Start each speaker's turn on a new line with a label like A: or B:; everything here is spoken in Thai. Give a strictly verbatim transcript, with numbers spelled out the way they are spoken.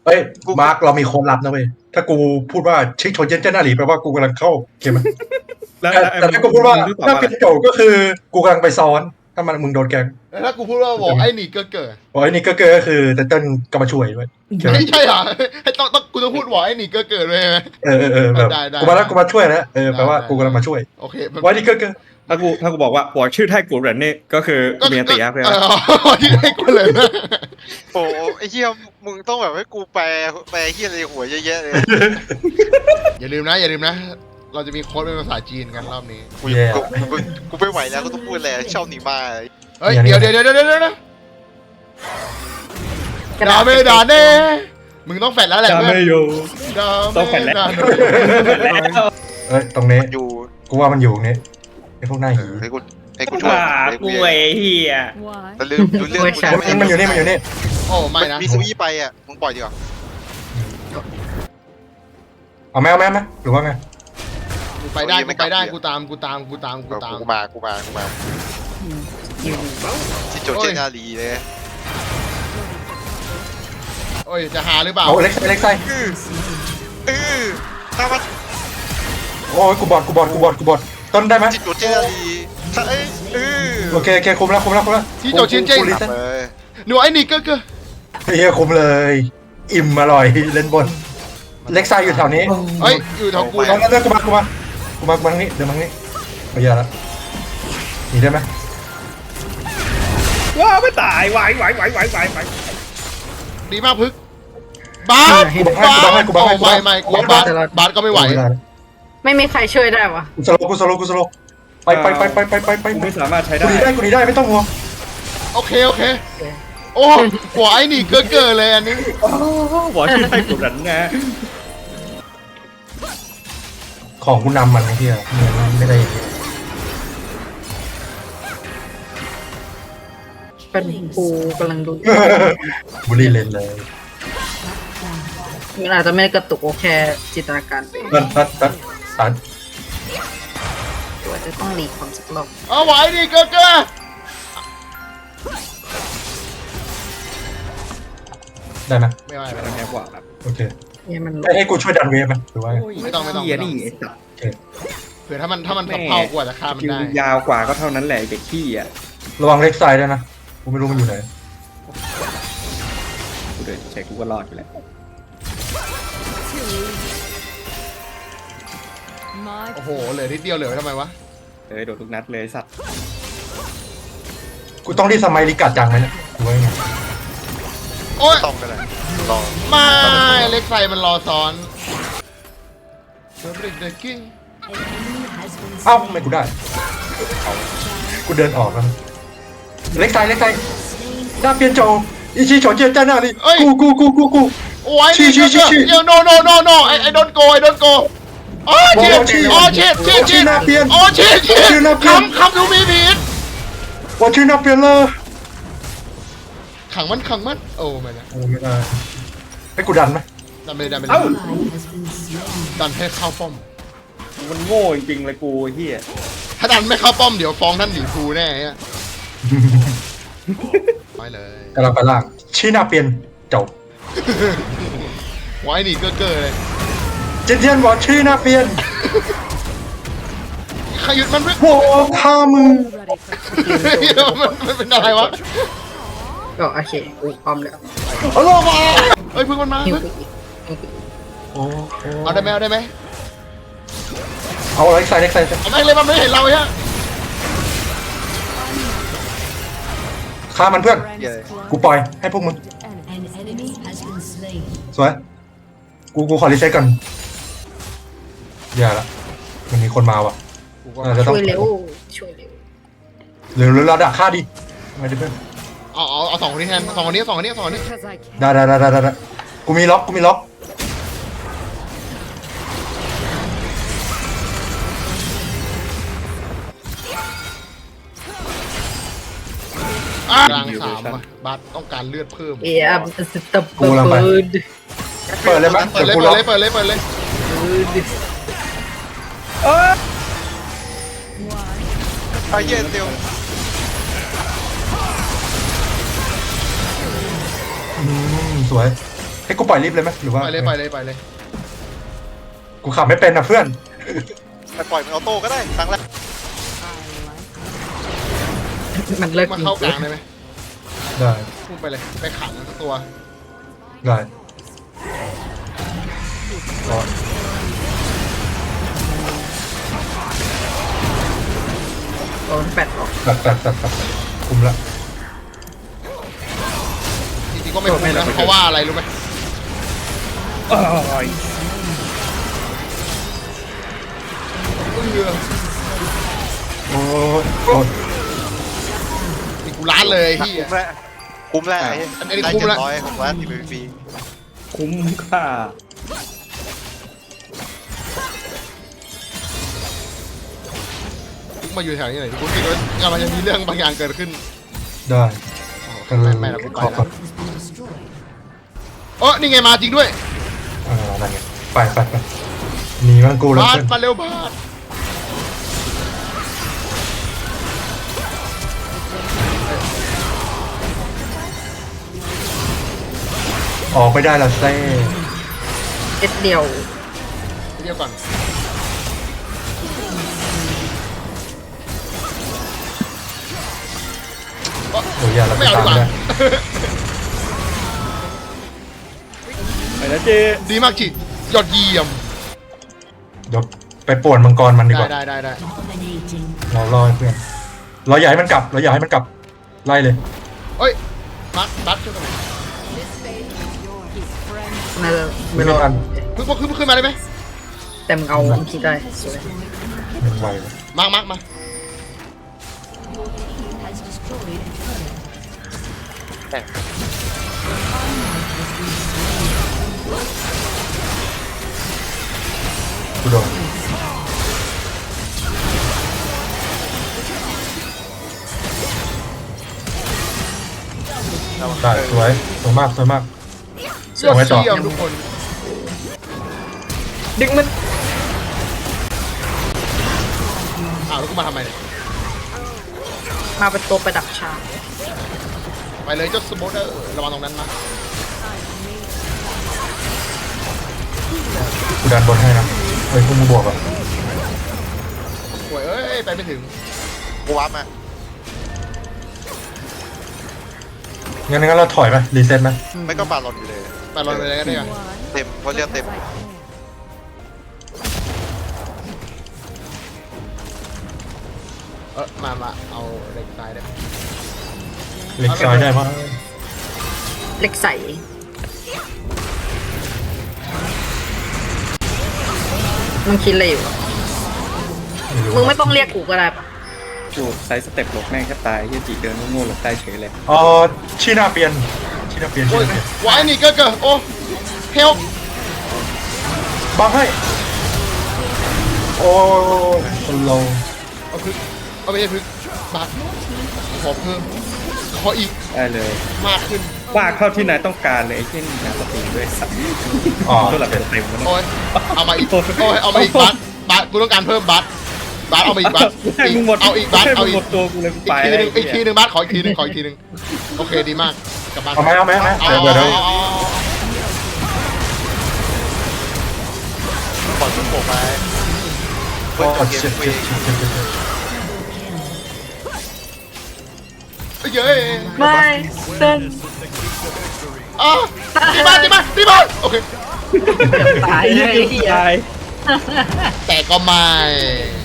A: ฮ้ยมาร์คเรามีโค้ดลับนะเว้ยถ้ากูพูดว่าชิโชเจนเจนนารีแปลว่ากูกำลังเข้าเกมแต่แต่ถ้ากูพูดว่าถ้าเป็นโจก็คือกูกำลังไปซ้อนถ้ามันมึงโดนแกง
B: แล้วถ้ากูพูดว่าบอกไอ้หนีเกิดเกิด
A: โอ้ยนี่ก็ก็คือแต่เต้นก็มาช่วยด้วย
B: ไม่ใช่เหรอให้ต้องต้องกูต้องพูดบอกไอ้หนีเกิดเกิดเลยไหม
A: เออเออเออแบบกูมาแล้วกูมาช่วยนะเออแปลว่ากูกำลังมาช่วย
B: โอเค
A: ว่านี่ก็ก็
C: ถ้ากูถ้ากูบอกว่าหัวชื่อไทกูเหรนนี่ก็คือเมียตีอะเพื่อน
B: ที่ให้กูเลยนะ
D: โอ้ไอ้เหี้ยมึงต้องแบบให้กูแปลแปลเหี้ยอะไรหัวเยอะๆเลย
B: อย่าลืมนะอย่าลืมนะเราจะมีโค้ดเป็นภาษาจีนกันรอบนี้
D: กูกูกูกูไม่ไหวแล้วก็ต้องพูดแหละชอบหนีมา
B: เฮ้ยเดี๋ยวเดี๋ยวเดี๋ยวเดี๋ยวเดี๋ยวนะดาเมดาเน่มึงต้องแฟดแล้วแหละ
C: จะ
B: เพื่อน
C: ไม่อยู่
B: ดา
C: ต้องแฟดแล้ว
A: เอ้ยตรงนี้
D: อยู่
A: กูว่ามันอยู่ตรงนี้ไอ้พวกหน้า
D: เอ
A: หี
D: อให้กูให้กูช่วย
C: ว่ากูไอ้เหี้ย
D: แต่ลืมดูเรื่องกู
A: มันมันอยู่นี่มันอยู่นี่
B: โอ้ไม่นะ
D: มีซูยี่ไปอ่ะมึงปล่อยดีกว่า
A: เอาไหมเอาไหมไหมหรือว่าไง
B: กูไปได้กูไปได้กูตามกูตามกูตามกูตาม
D: กูมากูมากูมาที่โจเจนารีเลย
B: โอ้ยจะหาหรือเปล่า
A: เอาเล็กไซเล็กไซ
D: เออเออถ้ามัน
A: โอ้ยกูบอดกูบอดกูบอดกูบอดต้นได้ไหม
D: ที่โจเจนารีถ้าเอ้ยเออ
A: โอเคโอเคคุมแล้วคุมแล้วคุมแล้ว
B: ที่โจชินเจ
A: กูรีเซ็ต
D: เออ
B: หนูไอ้หนีเกิดเกิด
A: เฮียคุมเลย อิ่มอร่อยเล่นบนเล็กไซอยู่แถวนี้
B: เฮ้ยอยู่แถวกู
A: ตรงนั้นกูมากูมากูมากูมาทางนี้เดี๋ยวมาทางนี้เอาอย่าละหนีได้ไหม
C: ว้าไม่ตายไหวไหวไหวไหวไหวไหว
B: ดีมากพึกบาสบาสไม่ไม่กูบาสบาสก็ไม่ไหว
E: ไม่มีใครช่วยได้วะ
A: กูสโลกูสโลกูสโลไปไปไปไปไปไปไป
C: กูไม่สามารถใช้
A: กู
C: ได้
A: หนีได้กูหนีได้ไม่ต้องห่วง
B: โอเคโอเคโอ้หัวไอ้หนีเกิดเกิดเลยอันนี้
C: หัวชื่อไทกูเหรนนะ
A: ของกูนำมันไอ้เหี้ยมันไม่ได้
E: เป็นกูกำลังดู
A: บุรีเลนเลย
E: มันอาจจะไม่ได้กระตุกโอแค่จินตนาการไป
A: ตัดตัดตัดตัด
E: ตัวจะต้องหลีกความสักรอบ
B: เอาไหวหนีเกิดเกิด
A: ได้ไหม
B: ไม่ไหว
C: มันแค่กว่าครับ
A: โอเค
E: เนี่ยมัน
A: ให้ให้กูช่วยดันเวฟไหมหรือว่าไง
B: ไม่ต้องไม่ต้อง
C: เหี้ยนี่ไอ้สัตว์
B: เผื่อถ้ามันถ้ามันทับเผากว่าจะฆ่ามัน
C: คิว
B: ได้
C: ยาวกว่าก็เท่านั้นแหละเด็กขี้อ่ะ
A: ระวังเล็กไซด์ด้วยนะกูไม่รู้มันอยู่ไหน
C: กูเดินใช้กูก็รอดอยู่แล้ว
B: โอ้โหเหลือนิดเดียวเหลือไว้ทำไมวะ
C: เออโดนทุกนัดเลยสัตว์
A: กูต้องรีบสมัยลิกัดจังไหมเนี่ยหรือว่าไง
B: โอ้ย
D: ต้องกันเลยรอ
B: มาเล็กไซมันรอซ้อนเดริกเดกกิ้ง
A: เอ้าไม่กูได้กูเดินออกแล้วเล็กไซด์เล็กไซด์ด้าเปียนโจอิชิโฉเจียนจ้าหน้านี่กูกูกูกูกู
B: โอ้ยนี่เกิดเดี๋ยว no no no no ไอไอโดนโกไอโดนโกอ๋อเชิดอ๋อเชิดเชิดเชิดอ๋อเชิดเชิดคำคำดูมีผิด
A: ว่าชื่อนาเปียนเลย
B: ขังมันขังมันโอ้ไม่นะ
A: โอ้ไม่ได้ให้กูดันไหม
B: ดันไปดันไป
C: เอ้า
B: ดันให้เข้าป้อม
C: มันโง่จริงๆเลยกูเฮีย
B: ถ้าดันไม่เข้าป้อมเดี๋ยวฟ้องท่านหนีครูแน่ฮะไปเลย
A: กำลังไปล่างชื่อนาเปียนจบ
B: ไว้หนีเก้อเก้อเลย
A: เจนเทียนบอกชื่อนาเปียน
B: ขยุดมันไม่
A: โว้ฆ่ามึง
B: มันมันเป็นอะไรวะ
E: ก็โอเคกูพร้อมแล้ว
A: เอาลงมา
B: เอ้ยพึ่งมันมา
E: หิว
B: พึ่ง
E: ไปอีกหิวไปอีก
A: โอ้
B: เอาได้ไหมเอาได้ไหม
A: เอาเล็กไซด์เล็กไซด์
B: เอาแม่งเลยมันไม่เห็นเราฮะ
A: ฆ่ามันเพื่อน
D: เหี้ย
A: กูปล่อยให้พวกมึงสวยกูกูขอรีเซ็ตก่อนอย่าละมันมีคนมาว่ะเราจะต้อ
E: ช่
A: ง
E: วยเร็วช่วยเร็ว
A: หรือหรือเราดักฆ่าดิไม่ได้เพื่อน
B: เอาเอาเอาสองคนนี้แทนสองคนนี้สองคนนี้สองคนนี้
A: ได้ได้ได้ได้ได้กูมีล็อกกูมีล็อก
B: กลางสามอะบัสต้องการเลือดเพิ่ม
E: เอียบสตับเบิร์ด
A: เปิดเลยไหม
B: เปิดเลย
A: กู
B: เปิ
A: ล็
B: ด
A: อก
B: เลยเปิดเลยเปิดเลย
D: ไอ้เหี้ยเดียว
A: อืมสวยให้กูปล่อยลิฟต์เลยไหมหรือว่า
B: ไปเลยไปเลยไปเลย
A: กูขับไม่เป็นนะเพื่อน
D: ไปปล่อยมันออโต้ก็ได้ครั้งแรก
E: มันเลิก
B: มา
E: จริง
B: เข้ากลางได้ไหม
A: ได้
B: พุ่งไปเลยไปขังสักตัว
A: ได้รอ
E: โดนแปดออก
A: ตัดตัดตัดตัดคุมละ
B: จริงๆก็ไม่คุ้มนะเพราะว่าอะไรรู้ไหม
C: อ้าย
B: เออ
A: โอ้ยโอ้ย
B: นี่กูล้านเลยที่
D: คุ้มแล้วคุ้มแล้วไอ้
B: อันนี้คุ้มแล้ว
D: ได้เจ็ดร้อยของร้านทีวีฟรี
C: คุ้มค่า
B: มาอยู่แถวนี้หน่อยกูคิดว่ากำลังจะมีเรื่องบางอย่างเกิดขึ้น
A: ได้ก็เล
B: ไม่
A: ย
B: ไม่เราไป
A: ขอ
B: แล้
A: ก่อ
B: วน เออนี่ไงมาจริงด้วย
A: เอออะไรเงี้ยไปไปไปหนีมันกูเลย
B: บาส
A: เพื่อน
B: มาเร็วบาส
A: ออกไปได้ละเซ่
E: เอ็ดเดียว
B: เดี๋ยวก่อน
A: โอ้ยอย่าเราไป
B: ไม่เอา
A: ตา
B: ดี
A: ม
B: กว่า
A: ได้
C: ไปนะเจ
B: ดีมากจิยอดเยี่ยม
A: เดี๋ยวไปป่วนมังกรมันดีก
B: ได้
A: ว่า
B: ได้ได้ได้
A: เรารอให้เพื่อนเราอยากให้มันกลับเราอยากให้มันกลับไล่เลย
B: เอ้ยบัสบัสช่วยกันหน่อย
E: น่าจะ
A: ไม่
E: ไม่รอ
A: ทัน
B: ขึ้นขึ้นขึ้นมาได้ไหม
E: แต่มึงเอาคิดได้สวย
A: มันไวเลย
B: มามามา
A: กูโดนได้สวยสวยมากสวยมาก
B: ยอด
A: เอาไว้ต่อ
B: เยี่ยมทุกคน
E: ดึงมัน
B: อ้าวแล้วกูมาทำไมเนี่ย
E: มาเป็นตัวประดับฉาก
B: ไปเลยเจ้าสโมเดอร์ระวังตรงนั้นนะ
A: กูดันบนให้นะเฮ้ยพวกมึงบวกอ่ะ
B: โอ้ยเอ้ยไปไม่ถึง
D: กูวับมา
A: งั้นงั้นเราถอยไหมรีเซ็ตไหม
D: ไม่ก็บาลอนอยู่เลย
B: ไปรอเลยก็ได้กัน
D: เต็มเพราะเรียกเต็ม
B: เออมามาเอาเล็กซ้ายได้
A: เล็กซอยได้ปะ
E: เล็กใสมึงคิดอะไรอยู่มึงไม่ต้องเรียกกูก็ได้ปะ
C: จูดไซส์สเต็ปหลบแม่งแค่ตายเฮียจีเดินโง่ๆหลบได้เฉยเลย
A: อ๋อชีนาเปลี่ยนชีนาเปลี่ยนชี
B: โอ้ย
A: นาเปลี่ยน
B: วายนี่เก็เกอโอ้เฮล
A: บังให้โอ้ยสโลว์
B: เอาพึกเอาไปเลยพึกบาทขอเพิ่มขออีก
C: ได้เลย
B: มากขึ้น
C: ว่าเข้าที่นายต้องการเลยไอ้เช่นงานสตรีมด้วยสัตว์
A: อ๋อ
C: ตัวหลักเต็มแล้ว
B: โอ้ยเอามาอีกโอ้ยเอามาอีกบาทบาทกูต้องการเพิ่มบาทบาทเอามาอีกบาท
C: ให้มึงหมด
B: เอาอีกบาท
C: ให้
B: เอา
C: มึง
B: อี
C: หม
B: ก
C: ดตัวกูเลยกู
B: อี
C: ไป
B: กทีห
C: แล้ว
B: นึงอีกทีหนึงบาทขออีกทีหนึงขออีกทีหนึงโอเคดีมากกลับบ้าน
A: เอาไหมเอาไหมเอาไหม
B: เอา
A: เดี๋ยว
B: เอา
A: เดี๋ยวเดี๋ยว
B: เอาเอา
D: ปล่อยมันโผล่ไปเพื่
A: โอ้
D: อนจบเก
A: เจ็
D: ม
A: บ
D: ฟรี
A: เจ็บเจ็บเจ็บเจ็บ
B: เย้
E: ไม่เต้น
B: อ่ะดีมากดีมากดีมากโอเค
E: ตายเลย
C: ตาย
B: แต่ก็ไม่